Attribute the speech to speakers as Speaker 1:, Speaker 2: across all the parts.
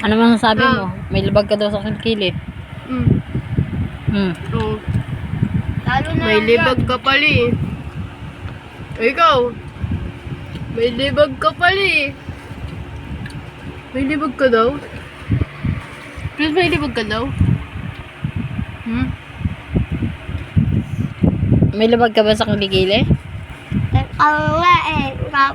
Speaker 1: Ano man sabi mo? May labag ka daw sa kilikili.
Speaker 2: Oo.
Speaker 3: Lalo na
Speaker 2: May
Speaker 3: lang
Speaker 2: libag ka pala eh. Ikaw. May libag ka pala eh. May libag ka daw? Please, may libag ka daw?
Speaker 1: May labag ka ba sa kilikili?
Speaker 3: Ang nga eh,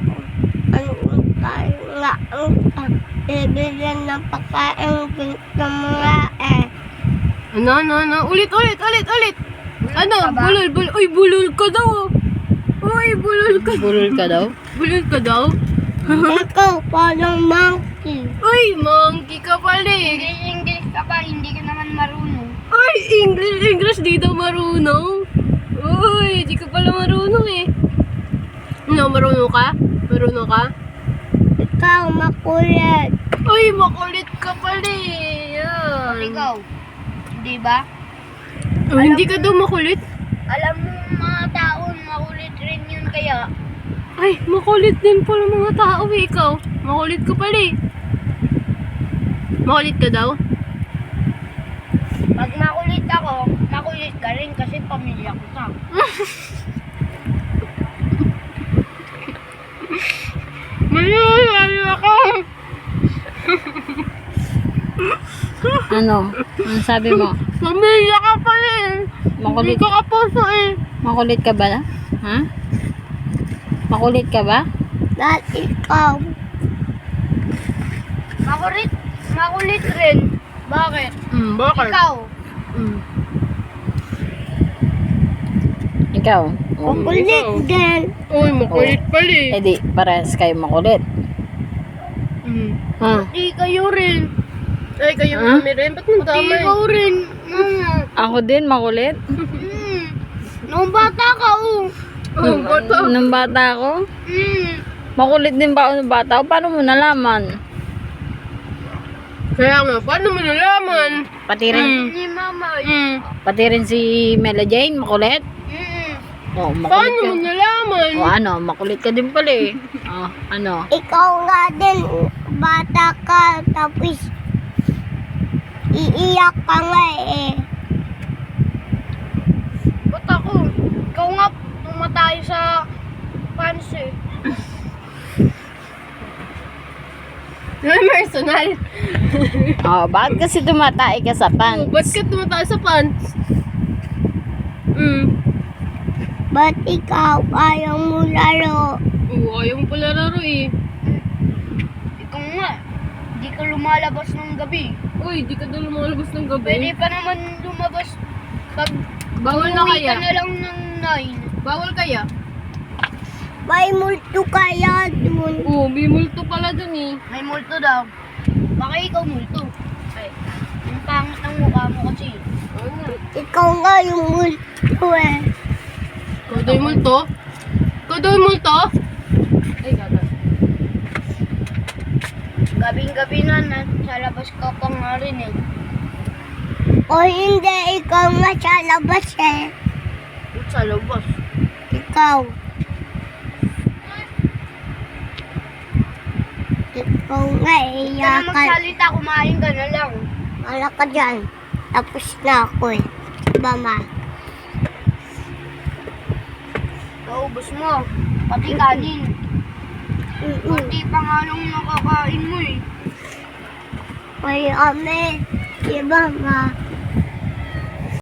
Speaker 3: bibigyan ng pagkain ng mga eh.
Speaker 2: Ano? Ulit! Ano? Bulol. Uy, bulol ka daw. Uy, bulol ka.
Speaker 1: Bulol ka daw?
Speaker 2: Bulol ka daw?
Speaker 3: Ikaw, parang monkey.
Speaker 2: Uy, monkey ka pala eh.
Speaker 3: English ka pa, hindi ka naman marunong.
Speaker 2: Uy, English di daw marunong. Uy, di ka pala marunong eh. No, marunong ka? Marunong ka?
Speaker 3: Ikaw, makulit.
Speaker 2: Uy, makulit ka pala eh. Yan.
Speaker 3: Ikaw, di ba?
Speaker 2: Oh, hindi ka daw makulit?
Speaker 3: Alam mo mga taon, makulit rin yun kaya.
Speaker 2: Ay, makulit din pala mga tao eh. Ikaw, makulit ka pala eh. Makulit ka daw?
Speaker 3: Pag makulit ako, makulit ka rin kasi pamilya ko ka.
Speaker 2: Mayroon ako.
Speaker 1: Ano? Ano sabi mo?
Speaker 2: Pamilya ka pala eh.
Speaker 1: Makulit,
Speaker 2: Hindi ka kapuso eh.
Speaker 1: makulit ka ba? Ha? Makulit ka ba?
Speaker 3: Dahil ikaw. Makulit rin. Bakit?
Speaker 2: Bakit?
Speaker 3: Ikaw.
Speaker 1: Ikaw?
Speaker 3: Makulit din.
Speaker 2: Uy, makulit pala eh.
Speaker 1: Eh di, parehas kayo makulit. Ha?
Speaker 3: Di kayo rin.
Speaker 2: Ay, kayo
Speaker 1: Huh?
Speaker 2: kami rin. Ba't mo
Speaker 3: Di
Speaker 2: tama
Speaker 3: ikaw rin.
Speaker 1: Ako din makulit?
Speaker 3: Nung bata ka, oh.
Speaker 2: Oh, bata.
Speaker 1: Nung bata ako? Makulit din ba ako nung bata ako? Paano mo nalaman?
Speaker 2: Kaya nga, paano mo nalaman?
Speaker 1: Pati rin,
Speaker 3: Ni mama.
Speaker 1: pati rin si Mela Jane, makulit? Oh, makulit
Speaker 2: Paano
Speaker 1: ka.
Speaker 2: mo nalaman?
Speaker 1: O ano, makulit ka din pala eh. Oh, ano?
Speaker 3: Ikaw nga din, bata ka, tapos iiyak ka nga eh. Ba't ako? Ikaw nga, tumatay sa pants eh.
Speaker 2: Personal.
Speaker 1: Oh, bakit kasi tumatay ka sa
Speaker 2: Oh,
Speaker 1: pants?
Speaker 2: ba't ka tumataas sa pants?
Speaker 3: Ba't ikaw ayaw mo laro?
Speaker 2: Oo, ayaw mo pala laro eh.
Speaker 3: Ikaw nga, di ka lumalabas ng gabi.
Speaker 2: Uy, di ka daw lumalabas ng gabi.
Speaker 3: Pwede pa naman lumabas pag
Speaker 2: Bawal na
Speaker 3: umuwi
Speaker 2: kaya?
Speaker 3: ka na lang ng 9.
Speaker 2: Bawal kaya?
Speaker 3: May multo kaya dun.
Speaker 2: Oo, may multo pala dun eh.
Speaker 3: May multo daw. Baka ikaw multo. Ay, yung pangit ng mukha mo kasi. Ikaw nga yung multo eh.
Speaker 2: Ikaw daw yung multo? Ikaw daw yung multo? Ay, gata.
Speaker 3: Gabing-gabi na sa labas ka pa nga rin eh. O hindi, ikaw nga sa labas eh.
Speaker 2: Sa labas.
Speaker 3: Ikaw. Ikaw nga eh, iyakan. Huwag ka na magsalita, kumain ka na lang. Wala ka dyan. Tapos na ako eh. Diba ma? Naubos mo. Pati kanin. Pati pangalong nakakain mo eh. Ay, ame. Diba ma?